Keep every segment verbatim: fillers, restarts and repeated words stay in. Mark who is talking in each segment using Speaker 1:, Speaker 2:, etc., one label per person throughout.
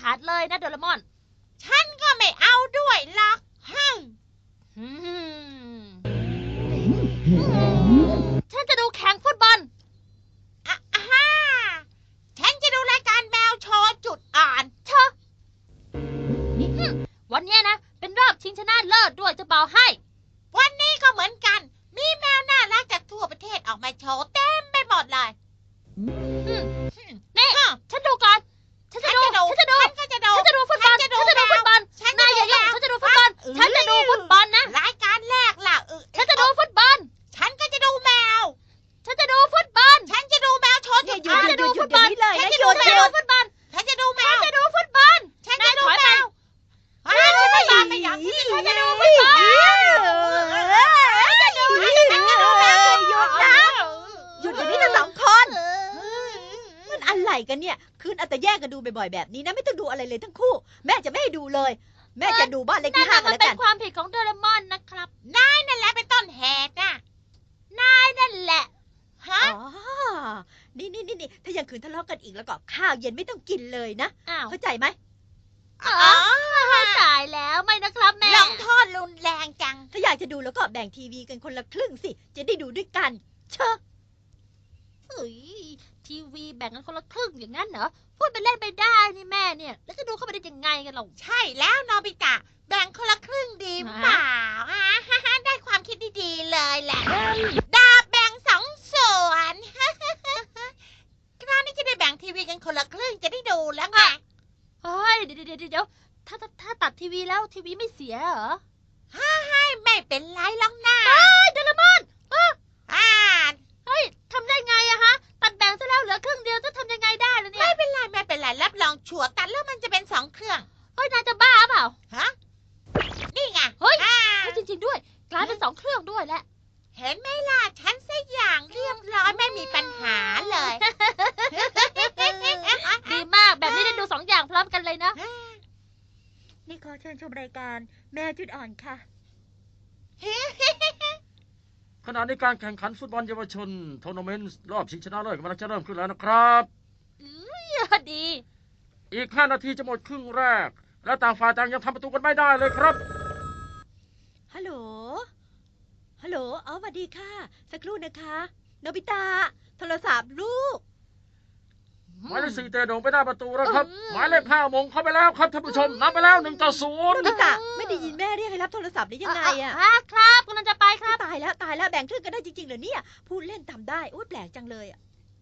Speaker 1: ขาดเลยนะโดเรมอน
Speaker 2: ฉันก็ไม่เอาด้วยหรอกฮึม
Speaker 1: ฉันจะดูแข่งฟุตบอล
Speaker 2: อ่ะฮ่าฉันจะดูรายการแมวโชว์จุดอ่อน
Speaker 1: เชอะวันนี้นะเป็นรอบชิงชนะเลิศด้วยจะบอกให้
Speaker 2: วันนี้ก็เหมือนกันมีแมวน่ารักจากทั่วประเทศออกมาโชว์เต็มไปหมดเลย
Speaker 1: นี่ฉันดูก่อนฉันจะดูฉันจะดูฉันก็จะดูฉันจะดูฟุตบอลฉันจะดูฟุตบอลนายอย่ายุ่งฉันจะดูฟุตบอลฉันจะดูฟุตบอลนะ
Speaker 2: รายการแรกล่ะ
Speaker 1: ฉันจะดูฟุตบอล
Speaker 2: ฉันก็จะดูแมว
Speaker 1: ฉันจะดูฟุตบอล
Speaker 2: ฉันจะดูแมวโชว์จุดอ่อน
Speaker 1: ฉันจะดูฟุตบอลฉันจะดูแมวฟุตบอล
Speaker 2: ฉันจะดูแมว
Speaker 1: ฉันจะดูฟุตบอล
Speaker 2: ฉันจะดูแมว
Speaker 1: ฉันจะดูฟุตบอลไม่ยอมฉันจะดูฟุตบอลฉันจะดูฉันจะดูแมว
Speaker 3: หยุดนะหยุดอย่างนี้ทั้งสองคนมันอะไรกันเนี่ยคืนเอาแต่แย่งกันดูบ่อยๆแบบนี้นะไม่ต้องดูอะไรเลยทั้งคู่แม่จะไม่ให้ดูเลยแม่จะดูบ้านเลขที่ห้ากันแล้วกัน
Speaker 1: มันเป็นความผิดของโดเรมอนนะครับ
Speaker 2: นายนั่นแหละเป็นต้นเหตุน่ะ
Speaker 1: นายนั่นแหละ
Speaker 2: ฮะ
Speaker 3: อ๋อนี่นี่นี่ถ้ายังคืนทะเลาะกันอีกแล้วก็ข้าวเย็นไม่ต้องกินเลยนะเข้าใจไหม
Speaker 1: อ๋อตายแล้วไม่นะครับแม่
Speaker 2: ลงโทษรุนแรงจัง
Speaker 3: ถ้าอยากจะดูแล้วก็แบ่งทีวีกันคนละครึ่งสิจะได้ดูด้วยกันเชอะ
Speaker 1: เฮ้ยทีวีแบ่งกันคนละครึ่งอย่างนั้นเหรอพูดไปเล่นไปได้นี่แม่เนี่ยแล้วจะดูเข้าไปได้ยังไงกันเรา
Speaker 2: ใช่แล้วนอบิตะแบ่งคนละครึ่งดีเปล่าอ่ะได้ความคิดดีๆเลยแหละดาบแบ่งสองส่วนคราวนี้จะได้แบ่งทีวีกันคนละครึ่งจะได้ดูแล้วไง
Speaker 1: เฮ้ยเดี๋ยวเดี๋ยวเดี๋ยวถ้าถ้าตัดทีวีแล้วทีวีไม่เสียเหรอ
Speaker 2: ฮ่าให้ไม่เป็นไรหรอกนะ
Speaker 1: โดเรมอน
Speaker 2: อ่า
Speaker 1: เฮ้ยทำได้ไงอะฮะตัดแบ่งซะแล้วเหลือครึ่งเดียวจะทำยังไงได้ล่ะเนี่ย
Speaker 2: ไม่เป็นไรไม่เป็นไรรับรองชัวร์ตัดแล้วมันจะเป็นสองเครื่อง
Speaker 1: เฮ้ยนายจะบ้าเปล่า
Speaker 2: ฮะนี่ไง
Speaker 1: เฮ้ยจริงๆด้วยกลายเป็นสองเครื่องด้วยแหละ
Speaker 2: เห็นไหมล่ะฉันสักอย่างเรียบร้อยไม่มีปัญหาเลย
Speaker 1: ดีมากแบบนี้ได้ดูสองอย่างพร้อมกันเลยนะ
Speaker 3: นี่ขอเชิญชมรายการแมวจุดอ่อนค่ะ
Speaker 4: ขณะนี้การแข่งขันฟุตบอลเยาวชนทัวร์นาเมนต์รอบชิงชนะเลิศกำลังจะเริ่มขึ้นแล้วนะครับ
Speaker 1: ดี
Speaker 4: อีกห้านาทีจะหมดครึ่งแรกและต่างฝ่ายต่างยังทำประตูกันไม่ได้เลยครับ
Speaker 3: ฮัลโหลฮัลโหลอ๋อสวัสดีค่ะสักครู่นะคะโนบิตะโทรศัพท์ลูก
Speaker 4: หมายเลขสี่เตะโด่งไปหน้าประตูแล้วครับหมายเลขห้ามงเข้าไปแล้วครับท่านผู้ชมนับไปแล้วหนึ่งต่อศูนย์
Speaker 3: โนบิตะไม่ได้ยินแม่เรียกให้รับโทรศัพท์ได้ยังไงอ่ะ
Speaker 1: ครับกำลังจะไปครับ
Speaker 3: ตายแล้วตายแล้วแบ่งครึ่งกันได้จริงๆเหรอเนี่ยพูดเล่นทำได้โอ้แปลกจังเลยอ่ะ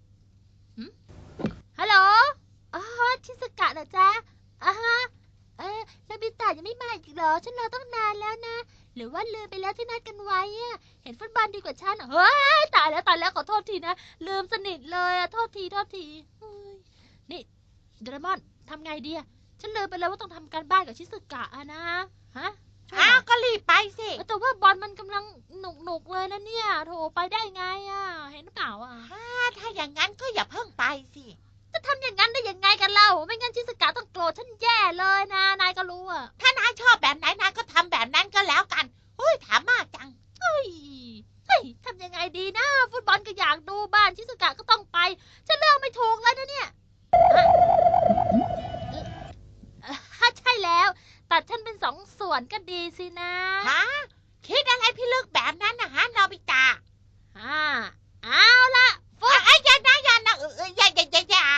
Speaker 1: ฮัลโหลอ๋อชิสกะเหรอจ๊ะอ่าฮะเออโนบิตะยังไม่มาอีกเหรอฉันรอตั้งนานแล้วนะหรือว่าลืมไปแล้วที่นัดกันไว้อะเห็นฟุตบอลดีกว่าฉันเฮ้ยตายแล้วตายแล้วขอโทษทีนะลืมสนิทเลยอะโทษทีโทษทีนี่โดเรมอนทำไงดีอะฉันลืมไปแล้วว่าต้องทำการบ้านกับชิสกะอะนะฮะ
Speaker 2: อ้าวก็รีบไปสิ
Speaker 1: แต่ว่าบอลมันกำลังหนุกหนุกเลยนะเนี่ยโถไปได้ไงอะเห็นหรือเปล่าอะ
Speaker 2: ถ้าอย่างนั้นก็อย่าเพิ่งไปสิ
Speaker 1: จะทำอย่างนั้นได้ยังไงกันเล่าไม่งั้นชิสกะต้องโกรธฉันแย่เลยนะนายก็รู้อะ
Speaker 2: ถ้านายชอบแบบไหนนายก็ทำแบบนั้นก็แล้วกันอุ้ยถามมากจัง
Speaker 1: เฮ้ยเฮ้ยทำยังไงดีนะฟุตบอลก็อยากดูบ้านชิสกะก็ต้องไปฉันเลือกไม่ถูกแล้วนะเนี่ยใช่แล้วตัดฉันเป็นสองส่วนก็ดีสินะ
Speaker 2: ฮะคิดอะไรพี่ลึกแบบนั้นนะฮะโนบิตะ
Speaker 1: อ่าเอาละ
Speaker 2: ฟุตไอ้ยันนะยันนะเออยันยันยันยั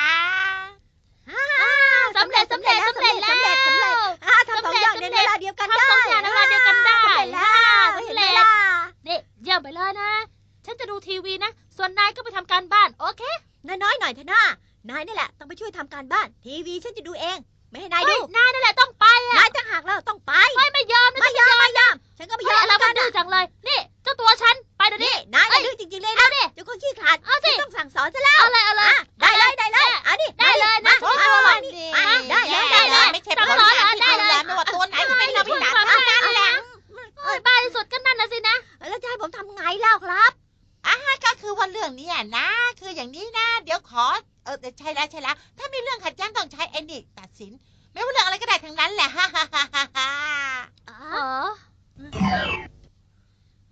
Speaker 1: นสำเร็จสำเร็จสำเร็จแล้วสำเร็จสำเร็จ
Speaker 3: อ่าทำสองอย่างในเวลาเดียวกันได้
Speaker 1: ทำสองอย่างในเวลาเดียวกันได้
Speaker 3: สำเร็จแล้ว
Speaker 1: นี่เยี่ยมไปเลยนะฉันจะดูทีวีนะส่วนนายก็ไปทำการบ้านโอเค
Speaker 3: น้อยๆหน่อยเถอะนะนายนี่แหละต้องไปช่วยทำการบ้านทีวีฉันจะดูเองไม่ให้นายดู
Speaker 1: นายนั่นแหละต้องไปอ่ะ
Speaker 3: นายจะหักแล้วต้องไป
Speaker 1: ไม่ไม่ยอม
Speaker 3: ไม่ยอมไม่ยอมฉันก็ไม่ยอม
Speaker 1: แล้วกันดื้อจังเลยนี่เจ้าตัวฉันไปเดี๋ยวนี้
Speaker 3: นายดื้อจริงๆเลยนะเจ้าคนขี้ขลาดต้องสั่งสอนซะแล้ว
Speaker 1: เอาเลยเอาเลย
Speaker 3: ได้เลยได้เลยอันนี้
Speaker 1: ได้เลยนะ
Speaker 3: มาได้เลยได้เลย
Speaker 2: ไม่ใช่ผลงานที่ดูแลไม่ว่าตัวไหนก็เป็นโนบิตะเท่านั้นแหละ
Speaker 1: เอ้ยบ้าที่สุดก็นั่นนะสินะ
Speaker 3: แล้วจะให้ผมทำไงแล้วครับ
Speaker 2: อ่ะก็คือว่าเรื่องนี้นะคืออย่างนี้นะเดี๋ยวขอเออใช่แล้วใช่แล้วถ้ามีเรื่องขัดแย้งต้องใช้ไอ้นี่ตัดสินไม่ว่าเรื่องอะไรก็ได้ทั้งนั้นแหละฮ่าฮ่าฮ่าฮ่า
Speaker 1: อ๋อ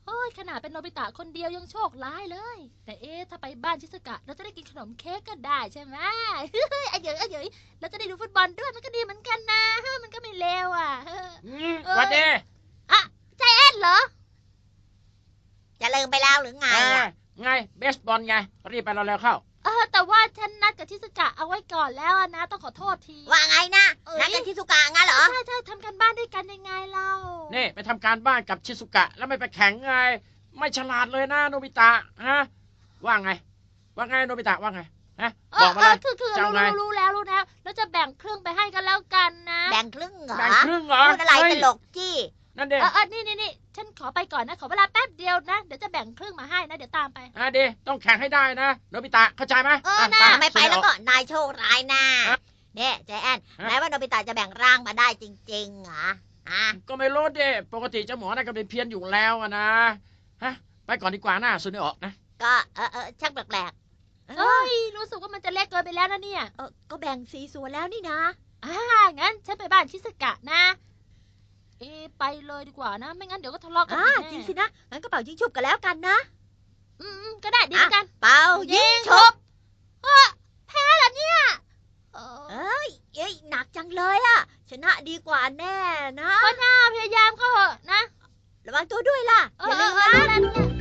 Speaker 1: โอ้ยขนาดเป็นโนบิตะคนเดียวยังโชคร้ายเลย แต่เอ๊ะถ้าไปบ้านชิซุกะเราจะได้กินขนมเค้กก็ได้ใช่ไหม เฮ้ยไอ้เหยยไอ้เหยยเราจะได้ดูฟุตบอลด้วยมันก็ดีเหมือนกันนะเฮ้ยมันก็ไม่เลวอ่ะเฮ้ย
Speaker 4: อืมสวัสดี
Speaker 1: ใจแอนเหรอ
Speaker 2: จะลืมไปแล้วหรือไง
Speaker 4: อ่า
Speaker 2: อ่ะ
Speaker 4: ไงเบสบอลไงรีบไปเราเร็วๆเข้า
Speaker 1: เออแต่ว่าฉันนัดกับชิซุกะเอาไว้ก่อนแล้วอะนะต้องขอโทษที
Speaker 2: ว่าไงนะ
Speaker 1: เอ้ย
Speaker 2: นัดกันที่สุกางั้นเหรอ
Speaker 1: ใช่ใช่ทำกันบ้านด้วยกันยังไงเล่า
Speaker 4: นี่ไปทำการบ้านกับชิซุกะ แล้วไม่ไปแข่งไง ไม่ฉลาดเลยนะโนบิตะฮะว่าไง ว่าไงโนบิตะว่าไงฮะ
Speaker 1: เออบ
Speaker 4: อ
Speaker 1: เอ
Speaker 4: มาเล
Speaker 1: อย คือคือ
Speaker 4: จะ
Speaker 1: รู้
Speaker 4: เอาไง
Speaker 1: รู้รู้แล้วรู้แล้วแล้วจะแบ่งครึ่งไปให้กันแล้วกันนะ
Speaker 2: แบ่งครึ่งเหรอ
Speaker 4: แบ่งครึ่งเหรอ
Speaker 2: พูดอะไร
Speaker 4: เฮ้ย
Speaker 2: ตลกจี้
Speaker 4: นั่นเด็
Speaker 1: เออเออนี่นี่นี่ฉันขอไปก่อนนะขอเวลาแป๊บเดียวนะเดี๋ยวจะแบ่งครึ่งมาให้นะเดี๋ยวตามไป
Speaker 4: อ่ะดีต้องแข่งให้ได้นะโนบิตะเข้าใจไหม
Speaker 1: เออนะ
Speaker 4: อ่
Speaker 2: ไม่ไปแล้วก็นายโชคร้ายนะ
Speaker 4: ฮะ
Speaker 2: เนี่ยใจแอน
Speaker 4: ฮะ
Speaker 2: แม้ว่าโนบิตะจะแบ่งร่างมาได้จริงๆเหรอฮะ
Speaker 4: ก็ไม่รู้ดิปกติเจ้าหมอน่ะก็เป็นเพี้ยนอยู่แล้วอะนะฮะไปก่อนดีกว่านะสุดไม่ออกนะ
Speaker 2: ก็เออเออช่างแปลกๆเอ
Speaker 1: เอ้
Speaker 2: อย
Speaker 1: รู้สึกว่ามันจะเล็กเกินไปแล้วนะเนี่ย
Speaker 2: เออก็แบ่งสีส่วนแล้วนี่นะ
Speaker 1: อ่างั้นฉันไปบ้านชิสกะนะ เอะไปเลยดีกว่านะ ไม่งั้นเดี๋ยวก็ทะเลาะกัน
Speaker 2: อ่า
Speaker 1: อีกแน่
Speaker 2: จริงสินะงั้นก็เป่ายิงฉุบกันแล้วกันนะ
Speaker 1: อืมอืมก็ได้ดีเหมือนกัน
Speaker 2: เป่ายิงฉุบ
Speaker 1: เออแพ้เหรอเนี่ยเออ
Speaker 2: เอ้ยเอ้ยหนักจังเลยอะชนะดีกว่าแน่นะ
Speaker 1: ก็น่าพยายามเข้าเถอะนะ
Speaker 2: ระวังตัวด้วยล่ะ
Speaker 1: เอ
Speaker 2: อย่า
Speaker 1: อ
Speaker 2: ลืม
Speaker 1: เออ
Speaker 2: นะ
Speaker 1: เออนั่นเนี่ย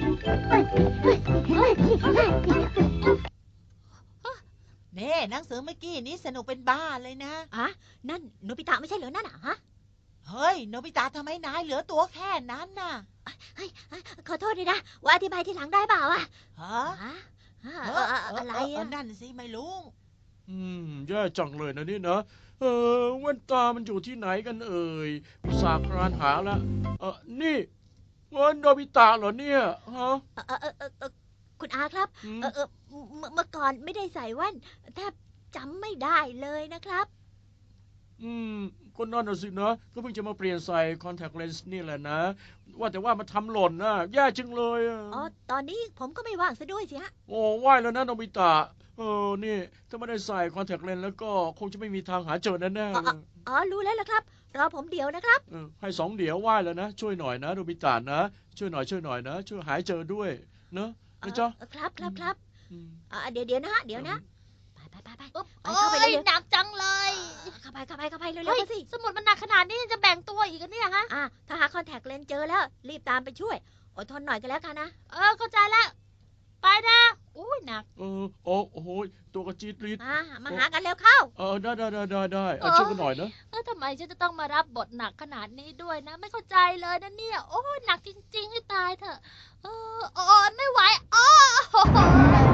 Speaker 5: เน่หนังสือเมื่อกี้นี้สนุกเป็นบ้าเลยนะ
Speaker 2: อ่ะนั่นโนบิตะไม่ใช่เหรอนั่นอ่ะฮะ
Speaker 5: เฮ้ยโนบิตะทำไมนายเหลือตัวแค่นั้นน่ะ
Speaker 2: เฮ้ยเฮ้ยขอโทษด้วยนะว่าอธิบายทีหลังได้เปล่าอ่ะ
Speaker 5: ฮะ
Speaker 2: ฮะฮะ
Speaker 5: เอ
Speaker 2: เอ
Speaker 5: อ
Speaker 2: อเออ
Speaker 5: เออ
Speaker 2: อะไร
Speaker 5: เออ
Speaker 2: อ่ะ
Speaker 5: นั่นสิไม่รู้
Speaker 4: อืมแย่จังเลยนะนี่นะเออแว่นตามันอยู่ที่ไหนกันเอ่ยอุตส่าห์ครานหาแล้วเออนี่เงินโนบิตะเหรอเนี่ยฮะ
Speaker 2: เออเออเออเออคุณอาครับ
Speaker 4: อืม
Speaker 2: เออเออเมื่อเมื่อก่อนไม่ได้ใส่แว่นแทบจำไม่ได้เลยนะครับ
Speaker 4: อืมก็นั่นน่ะสินะก็เพิ่งจะมาเปลี่ยนใส่คอนแทคเลนส์นี่แหละนะ ว่าแต่ว่ามันทำหล่นนะแย่จังเลยอะ
Speaker 2: อ๋อตอนนี้ผมก็ไม่ว่างซะด้วยสิฮะ
Speaker 4: โอ้ไหว่ายแล้วนะโนบิตะเออนี่ถ้าไม่ได้ใส่คอนแทคเลนส์แล้วก็คงจะไม่มีทางหาเจอแน่ๆเลย
Speaker 2: อ๋อรู้แล้วละครับ รอผมเดี๋ยวนะครับ
Speaker 4: เออให้สองเดี๋ยวไหว่ายแล้วนะ ช่วยหน่อยนะโนบิตะนะ ช่วยหน่อยช่วยหน่อยนะ ช่วยหายเจอด้วยเนอะนะจ๊ะ
Speaker 2: เออครับครับครับ
Speaker 4: อืม
Speaker 2: อ่าเดี๋ยวเดี๋ยวนะฮะเดี๋ยวนะไปไปไปไป
Speaker 1: อุ๊บ
Speaker 2: ไป
Speaker 1: โอ้
Speaker 2: เข้าไป
Speaker 1: ย
Speaker 2: เร็ว
Speaker 1: หนักจังเลย
Speaker 2: ๆเข้าไปเข้าไปเข้าไปเร็วๆ
Speaker 1: เฮ้ย
Speaker 2: เข้าสิ
Speaker 1: สมุดมันหนักขนาดนี้ยังจะแบ่งตัวอีกเหรอเนี่ยฮะ
Speaker 2: อ่ะถ้าหาคอนแทคเลนส์เจอแล้ว รีบตามไปช่วย อดทนหน่อยก็แล้วกันนะ
Speaker 1: เออเข้าใจแล้ว ไปนะอุ้ยหนัก
Speaker 4: เออโอ้โอ้โหตัวกระจีดรีด
Speaker 2: อ่ะมาหากันเร็วเข้า
Speaker 4: เออได้ได้ได้ได้ได้เออ
Speaker 1: เออ
Speaker 4: ช่วยกันหน่อยนะ
Speaker 1: เออทำไมฉันจะต้องมารับบทหนักขนาดนี้ด้วยนะ ไม่เข้าใจเลยนะเนี่ย โอ้ยหนักจริงๆให้ตายเถอะ เออโอ้ยไม่ไหวอ้อโอ้โห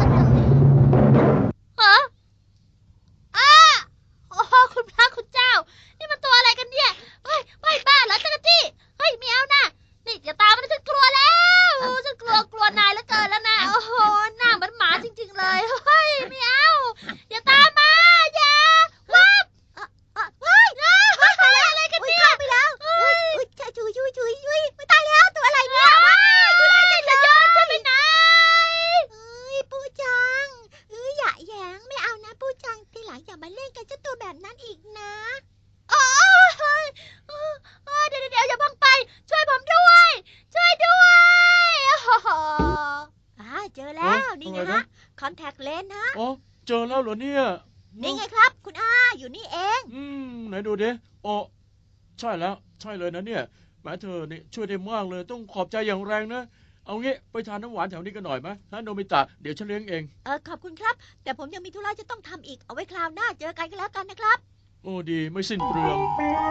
Speaker 1: ฮะอ้าโอ้โหคุณพระคุณเจ้า นี่มันตัวอะไรกันเนี่ย เฮ้ยไม่บ้าเหรอจักรจี้ เฮ้ยไม่เอานะ นี่อย่าตามมันฉันกลัวแล้วฉันกลัวกลัวนายเหลือเกินแล้วนะ โอ้โห หน้าเหมือนหมาจริงๆเลย เฮ้ยไม่เอา อย่าตามมา อย่าวับ เฮ้ยอะไรกัน
Speaker 2: อุ้ย
Speaker 1: เนี่ย
Speaker 2: เข้าไปแล้วอุ้ยอุ้ยช่วยช่วยช่วยช่วยช่วยไม่ตายแล้วตัวอะไรเนี่ย
Speaker 1: ว้ายคุณอาจจะโยนฉันไปไหน
Speaker 2: เอ้ยปูจังเอ้ยอย่าแหยงไม่เอานะปูจังทีหลังอย่ามาเล่นกับเจ้าตัวแบบนั้นอีกนะ
Speaker 1: โอ้ยเฮ้ยเออเออเดี๋ยวเดี๋ยวเดี๋ยวอย่าเพิ่งไป ช่วยผมด้วย ช่วยด้วยโอ้โห
Speaker 2: อ่าเจอแล้วนี่ไง
Speaker 4: อะไร
Speaker 2: ฮะ
Speaker 4: นะ
Speaker 2: คอนแทคเลนส์ฮะ
Speaker 4: อ๋อเจอแล้วเหรอเนี่ย
Speaker 2: นี่ไงครับ คุณอาอยู่นี่เอง
Speaker 4: อืมไหนดูดิอ๋อใช่แล้ว ใช่เลยนะเนี่ยแหมเธอนี่ช่วยได้มากเลย ต้องขอบใจอย่างแรงนะ เอางี้ไปทานน้ำหวานแถวนี้กันหน่อยไหมฮะโนบิตะเดี๋ยวฉันเลี้ยงเอง
Speaker 2: เออขอบคุณครับ แต่ผมยังมีธุระจะต้องทำอีกเอาไว้คราวหน้าเจอกันก็แล้วกันนะครับ
Speaker 4: โอ้ดีไม่สิ้นเปลือง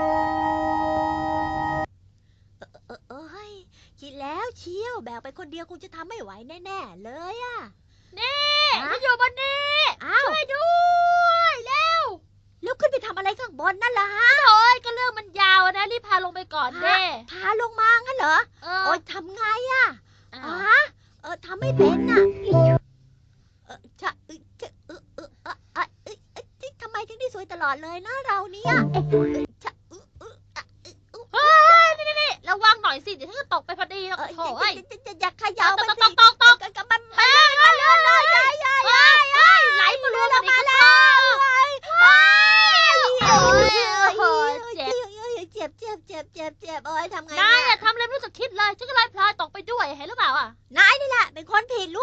Speaker 2: เออเอ้ยคิดแล้วเชียวแบกไปคนเดียวคงจะทำไม่ไหวแน่ๆเลยอะ
Speaker 1: นี่
Speaker 2: ฮะ
Speaker 1: ฉันอยู่บนนี้
Speaker 2: อ้าว
Speaker 1: ช่วยด้วยเร็ว
Speaker 2: แล้วขึ้นไปทำอะไรข้างบนนั่นล่ะฮะ
Speaker 1: โอ้ยก็เรื่องมันยาวอะนะรีบพาลงไปก่อนเด้
Speaker 2: พาลงมางั้นเหรอ
Speaker 1: เอ
Speaker 2: โอ๊
Speaker 1: อย
Speaker 2: ทำไงอะ
Speaker 1: อ้า
Speaker 2: อ๋อ
Speaker 1: ว
Speaker 2: เออทำไม่เป็นน่ะเออจะเออจะเออเออเออเออเออเออทำไมถึงได้สวยตลอดเลยนะเราเนี่ยเออจะเออเออเออเออ
Speaker 1: เฮ้ยนี่นี่นี่ระวังหน่อยสิ เดี๋ยวฉันจะตกไปพอดีหรอก
Speaker 2: เออ
Speaker 1: โถ่ย
Speaker 2: จะจะจะอยากขยับ
Speaker 1: ต
Speaker 2: มัน
Speaker 1: กต
Speaker 2: สิ
Speaker 1: กตกตก
Speaker 2: กับมันมันลื่นมันลื่นเลยยายยาย
Speaker 1: เฮ้ยเฮ้ยไหลมารวมกันอีกแล้วโอ้ยโอ้ยเจ็บ
Speaker 2: เจ็บเจ็บเจ็บเจ็บเจ็บโอ้ยทำไง
Speaker 1: นาย
Speaker 2: เนี่
Speaker 1: อะ
Speaker 2: ย
Speaker 1: ทำอะไรไม่รู้จักคิดเลยฉันก็เลยพลอยตกไปด้วยเห็นหรือเปล่า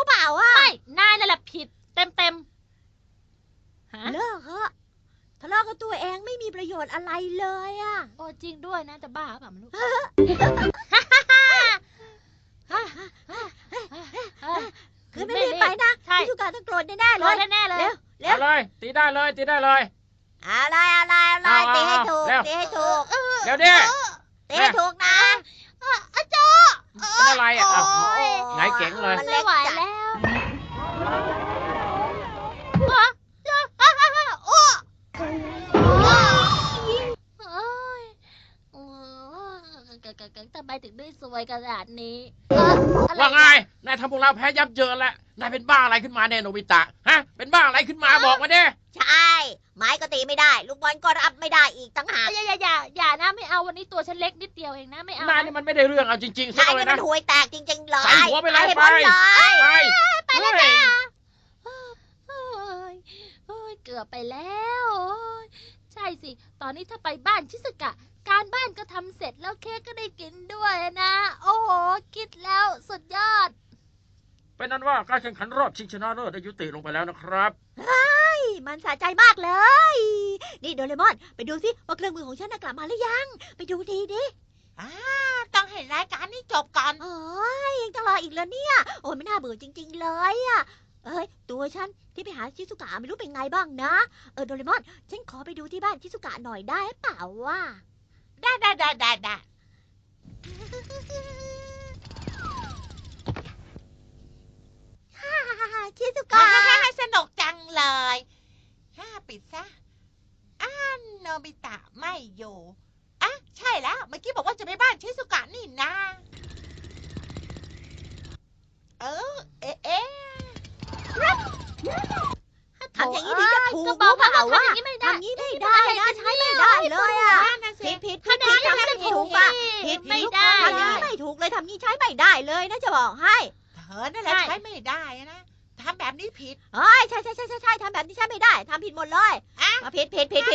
Speaker 3: เปล่าอ่ะ
Speaker 1: ไม่นายนั่นแหละผิดเต็มเต็มๆฮะ
Speaker 3: เลิกเหอะทะเลาะกับตัวเองไม่มีประโยชน์อะไรเลยอ่ะ
Speaker 1: โอ้จริงด้วยนะจะบ้าเปล่าไม่รู้
Speaker 3: คือไม่รีบไปนะ
Speaker 1: ใช่
Speaker 3: พี่สุกาต้องโกรธแน่ๆ
Speaker 1: โด
Speaker 3: เลย
Speaker 1: นแน่ๆเลย
Speaker 3: เร็วเร็ว
Speaker 4: เอาเลย ตีได้เลย ตีได้เลย
Speaker 3: อะไรอะไรอะไร
Speaker 4: เอาเอา
Speaker 3: ตีให้ถูก
Speaker 4: เร็ว
Speaker 3: ตีให้ถูก
Speaker 4: เดี๋ยวดิ
Speaker 3: ตีให้ถูกนะ
Speaker 2: อาจ
Speaker 4: เป็นอะไรอ่ะอ้าว
Speaker 3: โอ้ย
Speaker 4: ไงเก๋งเลย
Speaker 3: มัน
Speaker 1: ไม่
Speaker 3: เล็ก
Speaker 1: ไหว
Speaker 3: จัด
Speaker 1: แล้วโอ้ยโอ้ยทำไมถึงได้สวยขนาดนี้เอ่ออะไร
Speaker 4: ว่าไง นายทำพวกเราแพ้ยับเยินแล้ว นายเป็นบ้าอะไรขึ้นมาเนี่ยโนบิตะ ฮะ เป็นบ้าอะไรขึ้นมาบอกมาดิ
Speaker 3: ใช่ ไม้ก็ตีไม่ได้ ลูกบอลก็รับไม่ได้อีกตั้งหาก
Speaker 1: อย่าอย่าอย่าอย่านะไม่เอาวันนี้ตัวฉันเล็กนิดเดียวเองนะไม่เอา
Speaker 4: นาย
Speaker 1: นะ
Speaker 4: นี่มันไม่ได้เรื่องเอาจริงๆสัก
Speaker 3: นาย
Speaker 4: เล
Speaker 3: นี่
Speaker 4: ย
Speaker 3: มั
Speaker 4: นะ
Speaker 3: นห่วยแตกจริงๆเลย
Speaker 4: ใส่หัวไปเลย
Speaker 3: ให้
Speaker 4: ไป
Speaker 3: พ้นเลย
Speaker 4: ไป
Speaker 1: ไปแล้วจ้า
Speaker 4: เฮ้ย
Speaker 1: โอ้ยโอ้ยเกือบไปแล้วโอ้ยใช่สิ ตอนนี้ถ้าไปบ้านชิสกะ การบ้านก็ทำเสร็จแล้วเค้กก็ได้กินด้วยนะ โอ้โห คิดแล้วสุดยอด
Speaker 4: เป็นนั้นว่าการแข่งขันรอบชิงชนะเลิศได้ยุติลงไปแล้วนะครับ
Speaker 3: มันสะใจมากเลย นี่โดเรมอน ไปดูสิว่าเครื่องมือของฉันน่ะกลับมาหรือยัง ไปดูดีดิ
Speaker 2: อ่าต้องให้รายการนี้จบก่อน
Speaker 3: โอ้ยยังจะรออีกแล้วเนี่ย โอ้ยไม่น่าเบื่อจริง ๆ เลยอะเอ้ยตัวฉันที่ไปหาชิสุกะไม่รู้เป็นไงบ้างนะ เออโดเรมอน ฉันขอไปดูที่บ้านชิสุกะหน่อยได้เปล่าวะ
Speaker 2: ได้ได้ได้ได้ได้
Speaker 3: ฮ่าฮ่าฮ่าฮ่าชิสุ
Speaker 2: ฮ่าก
Speaker 3: ะ
Speaker 2: ฮ่าฮ่าสนุกจังเลยฮ่าปิดซะอ่าโนบิตะไม่อยู่อ่ะใช่แล้ว เมื่อกี้บอกว่าจะไปบ้านชิสุกะนี่นาเออ เอ๊ะเอ๊ะ
Speaker 3: ทำอย่างนี้ถึงจะถูก
Speaker 1: ก็บอก
Speaker 3: รู้เปล่า
Speaker 1: ว่า
Speaker 3: ว่า
Speaker 1: ทำอย่างนี้ไม่ได้
Speaker 3: ทำอย่างนี้ไม่ได้นะใช้ไม่ได้เลยอะ
Speaker 2: นั่นน่ะสิ
Speaker 3: ผิดผิด
Speaker 1: ถ้า
Speaker 3: ผิด
Speaker 1: ได้
Speaker 3: ผิด
Speaker 1: ก็
Speaker 3: ทำ
Speaker 1: จะ
Speaker 3: ไม่
Speaker 1: ถู
Speaker 3: ถู
Speaker 1: ก
Speaker 3: กอะ
Speaker 1: ผิ
Speaker 3: ผิ
Speaker 1: ด
Speaker 3: ด
Speaker 1: ไม่
Speaker 3: ผิ
Speaker 1: ได้
Speaker 3: ทำอย่างนี้ไม่ถูกเลยทำนี้ใช้ไม่ได้เลยนะจะบอกให้
Speaker 2: เธอนั่นแหละ
Speaker 1: ใช่
Speaker 2: ใช้ไม่ได้นะทำแบบนี้ผิด
Speaker 3: เอ้ยใช่ใช่ใช่ใช่ใช่ทำแบบนี้ใช้ไม่ได้ทำผิดหมดเลย
Speaker 2: อ่ะ
Speaker 3: มาผิดผิดผิด